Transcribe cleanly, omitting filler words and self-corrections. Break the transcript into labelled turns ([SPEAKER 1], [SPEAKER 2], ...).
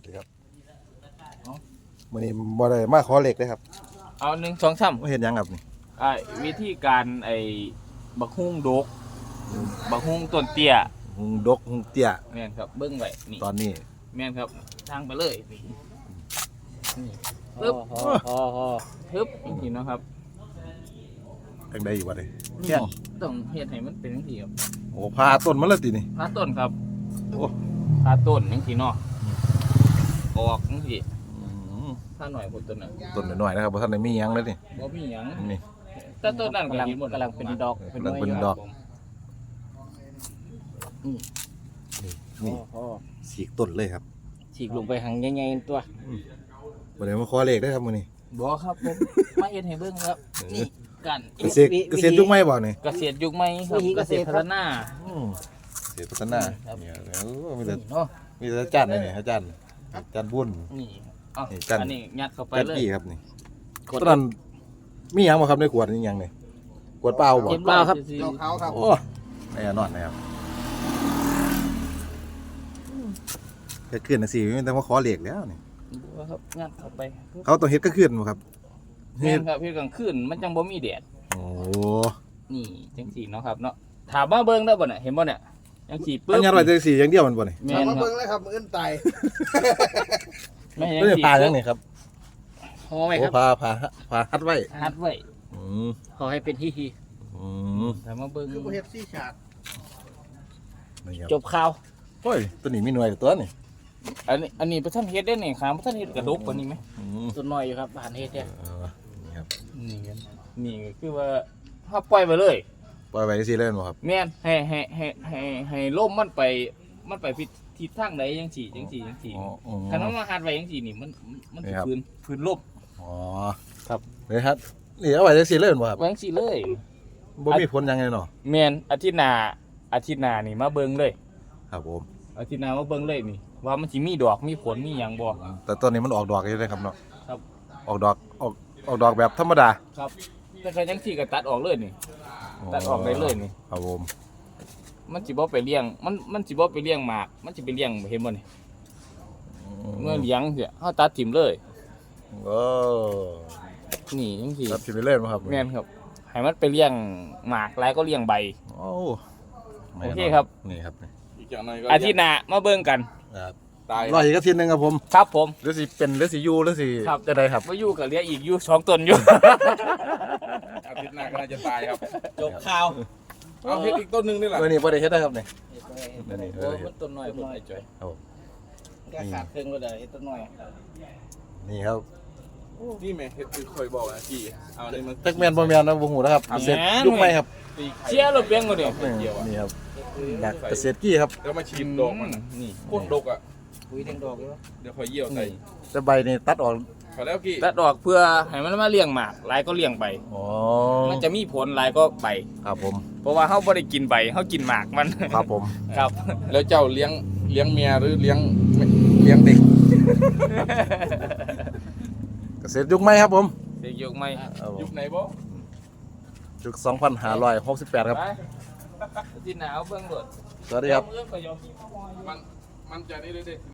[SPEAKER 1] สวัสดีครับวันนี้บ่ได้มาขอเหล็กเลยครับ
[SPEAKER 2] เอา1 2 3
[SPEAKER 1] เห็นยังครับนี่
[SPEAKER 2] วิธีการบักฮุ้งดกบักฮุ้งต้นเตี้ย
[SPEAKER 1] หุงดกหุงเตี้ย
[SPEAKER 2] แม่นครับเบิ้งไว้นี่
[SPEAKER 1] ตอนนี้
[SPEAKER 2] แม่นครับทางไปเลยนี่ปึ๊บปึ๊บนี่นะครับ
[SPEAKER 1] จังไดอยู่บ่ได้
[SPEAKER 2] นี่ต้องเฮ็ดให้มันเป็นจังซี่ครับ
[SPEAKER 1] โอ้พาต้นมันแล้วตินี่
[SPEAKER 2] พาต้นครับ
[SPEAKER 1] โอ้
[SPEAKER 2] พาต้นจังซี่เนาะออกจังซี่พาหน่อยพุ่นต้นน่ะ
[SPEAKER 1] ต้นน้อยๆนะครับบ่ทันได้มีหยังเลยนี่
[SPEAKER 2] บ่มีหยัง
[SPEAKER 1] นี่
[SPEAKER 2] แต่ต้นนั้นกำลังเป็นดอก
[SPEAKER 1] เป็นดอกนี่ฉีกต้นเลยครับ
[SPEAKER 2] ฉีกลงไปหังใหญ่ๆตัว
[SPEAKER 1] บ่ได้มาขอเหล็กได้ครับมื้อนี้
[SPEAKER 2] บ่ครับผมมาเฮ็ดให้เบิ่งครับนี่กัน
[SPEAKER 1] เกษตรยุคใหม่บ่นี่
[SPEAKER 2] เกษตรยุคใหม่ครับเกษตรพัฒนา
[SPEAKER 1] เกษตรพัฒนาเนี่ยมีแต่อาจารย์นี่อาจารย์บุญ
[SPEAKER 2] นี่อันนี้ยัดเข้าไปเลย
[SPEAKER 1] ครับนี่ตอนนั้นมีหยังบ่ครับในขวดนี่หยังนี่ขวดเปล่าบ่
[SPEAKER 2] เปล่าครับ
[SPEAKER 1] ขาวครับโอ้แน่นอนนะครับแค่ขึ้นน่ะสิมันต้องมาขอเหล็กแล้วนี่
[SPEAKER 2] ครับยัดเข้าไป
[SPEAKER 1] เขาต้องเฮ็ดก็ขึ้นบ่ครับ
[SPEAKER 2] เฮ็ดครับเฮ็ดกลางคืนมันจังบ่มีแดด
[SPEAKER 1] โอ้
[SPEAKER 2] นี่จังซี่เนาะครับเนาะถามมาเบิ่งได้บ่น่ะเห็นบ่เนี่ยจังซี่ปึ๊บ
[SPEAKER 1] อันนี้100จังซี่อย่างเดียวมันบ่นี่
[SPEAKER 2] ถาม
[SPEAKER 3] มาเบิ่งเลยครับมื้ออื่นตาย
[SPEAKER 2] ไม่
[SPEAKER 1] จังซี่ปลาจังนี่ครับ
[SPEAKER 2] ห่อไว้ครับ
[SPEAKER 1] พาฮัดไว้
[SPEAKER 2] ห่อให้เป็นฮีถามมาเบิ่ง
[SPEAKER 3] คือบ่เฮ็ดซี่ฉาก
[SPEAKER 2] จบข่าว
[SPEAKER 1] โอ้ยตัวนี้มีหน่วยตัวนี่
[SPEAKER 2] อันนี้ประท่านเฮ็ดได้นี่ครับประท่านเฮ็ดกระดกกว่านี้ไหมตัวน้อยอยู่ครับอาหารเฮ็ดเนี่ย
[SPEAKER 1] นี่ครับ
[SPEAKER 2] นี่คือว่าถ้าปล่อยไปเลย
[SPEAKER 1] ปล่อยไปสิเล่นบ่ครับ
[SPEAKER 2] แม่นให้ลมมันไปทิศทางใดจังซี่คันมันมาหัดไว้จังซี่นี่มันสิพื้นลม
[SPEAKER 1] อ๋อครับเลยครับนี่เอาไว้จังซี่เล่นบ่ครับ
[SPEAKER 2] จังซี่เลย
[SPEAKER 1] บ่มีผลยังไงเนาะ
[SPEAKER 2] แม่นอาทิตย์หน้านี่มาเบิ่งเลย
[SPEAKER 1] ครับผม
[SPEAKER 2] อาทิตย์หน้ามาเบิ่งเลยนี่ว่ามันสิมีดอกมีผลมีหยังบ่
[SPEAKER 1] แต่ตอนนี้มันออกดอกอยู่เลยครับเนาะ
[SPEAKER 2] ครับ
[SPEAKER 1] ออกดอกแบบธรรมดา
[SPEAKER 2] ครับแต่ใครจังซี่ก็ตัดออกเลยนี่ตัดออกได้เลยนี่
[SPEAKER 1] ครับผม
[SPEAKER 2] มันสิบ่ไปเลี้ยงมันสิบ่ไปเลี้ยงหมากมันสิไปเลี้ยงเห็นบ่นี่เมื่อเลี้ยงเสียเฮาตัดทิ่มเลย
[SPEAKER 1] โอ้
[SPEAKER 2] นี่จังซี่
[SPEAKER 1] ตัดทิ่มไปเลยบ่ครับ
[SPEAKER 2] แม่นครับให้มันไปเลี้ยงหมากหลายก็เลี้ยงใบ
[SPEAKER 1] โอ้
[SPEAKER 2] โอเคครับ
[SPEAKER 1] นี่ครับ
[SPEAKER 2] อาทิตย์หน้ามาเบิ่งกัน
[SPEAKER 1] ครับตายรออีกอาทิตย์นึงครับผม
[SPEAKER 2] ครับผม
[SPEAKER 1] หรือสิเป็นหรือสิอยู่หรือสิจะได้ครับ
[SPEAKER 2] บ่อยู่ก็เหลืออีกอยู่2ต้นอยู่
[SPEAKER 3] อาทิตย์หน้าก็น่าจะตายครับ
[SPEAKER 2] จบข่าว
[SPEAKER 3] เอาเฮ็ดอีกต้นนึงนี่แหละ
[SPEAKER 1] นี่บ่ได้เฮ็ดได้ครับนี่
[SPEAKER 2] นี่มันต้นน้อยพุ่นไอ้จ้อยครับแกขาดเครื่องบ่ได้เฮ็ดต้นน้อย
[SPEAKER 1] นี่ครับ
[SPEAKER 3] นี่แม่เฮ็ดคือค่อยบอกนะพี่เอานี่มัน
[SPEAKER 1] จักแม่นบ่แม่นนะบ่ฮู้นะครับเสร็จยุคใหม่ครับ
[SPEAKER 2] เชียร์รถเบียงบ่เนี่ย
[SPEAKER 1] นี่ครับเกษตรกี้ครับ
[SPEAKER 3] แล้วมาชิมดอกมัน
[SPEAKER 2] นี่
[SPEAKER 3] โคตรดกอ่ะ
[SPEAKER 2] คุยทั้งดอกเลย
[SPEAKER 3] เดี๋ยวค่อยเยี่ยวใส่
[SPEAKER 1] แต่ใบนี่ตัดออก
[SPEAKER 3] พอแล้วกี้
[SPEAKER 2] ตัดออกเพื่อให้มันมาเลี้ยงหมากหลายก็เลี้ยงใบมันจะมีผลหลายก็ใบ
[SPEAKER 1] ครับผม
[SPEAKER 2] เพราะว่าเฮาบ่ได้กินใบเฮากินหมากมัน
[SPEAKER 1] ครับผม
[SPEAKER 2] ครับ
[SPEAKER 3] แล้วเจ้าเลี้ยงเมียหรือเลี้ยงเด็ก
[SPEAKER 1] เกษตรยุคใหม่ครับผม
[SPEAKER 2] เด็กยุคใหม่
[SPEAKER 3] ยุคไหนบ่
[SPEAKER 1] ยุค2568ครับ
[SPEAKER 2] ที่หนาวเบิ่งโดด
[SPEAKER 1] สวัสดีครับ
[SPEAKER 3] มันจะได้